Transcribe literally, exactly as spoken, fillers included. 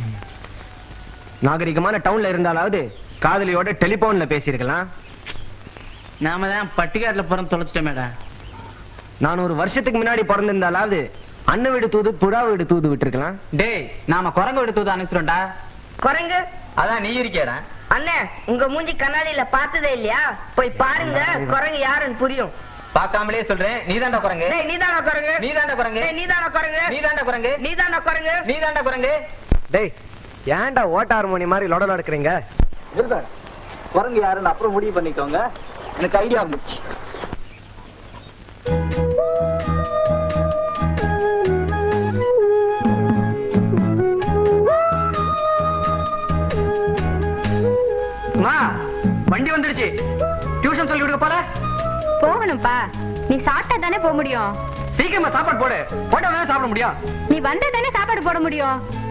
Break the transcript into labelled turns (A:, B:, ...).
A: நாகரிகமான டவுன்ல இருந்தாலாவது காதலியோட டெலிபோன்ல பேசியிருக்கலாம்.
B: நாம தான் பட்டிக்காட்டுல பிறந்து தொலைச்சிட்டோம் மேடம்.
A: நான் ஒரு வருஷத்துக்கு முன்னாடி பிறந்திருந்தாலாவது அண்ணன் வீடு தூது புறா வீடு தூது விட்டுருக்கலாம்.
B: டேய், நாம குரங்கு வீடு தூது அனுப்பிச்சிட்டோம்டா.
C: குரங்கு
B: அதான் நீ இருக்கியாடா.
C: அண்ணே, உங்க மூஞ்சி கண்ணாடியில பார்த்ததே இல்லையா? போய் பாருங்க, குரங்கு யாருன்னு புரியும்.
B: பாக்காமலே சொல்றேன், நீதாண்டா குரங்கு.
C: டேய், நீதானா குரங்கு?
B: நீதாண்டா குரங்கு.
C: டேய், நீதானா குரங்கு?
B: நீதாண்டா குரங்கு.
C: நீதானா குரங்கு?
B: நீதாண்டா குரங்கு.
A: டேய், ஏன்டா ஓட்ட ஹார்மோனி மாதிரி லொட லொடக்குறீங்க?
B: குரங்கு யாருன்னு அப்புறம் முடிவு பண்ணிக்கோங்க. எனக்கு ஐடியா இருந்துச்சு. வண்டி வந்துடுச்சு. டியூஷன் சொல்லி கொடுக்க போல
D: போகணும்பா. நீ சாப்பிட்டா தானே போக முடியும்.
B: சீக்கிரமா சாப்பாடு போடு. போட்டா தானே சாப்பிட முடியும்.
D: நீ வந்தா தானே சாப்பாடு போட முடியும்.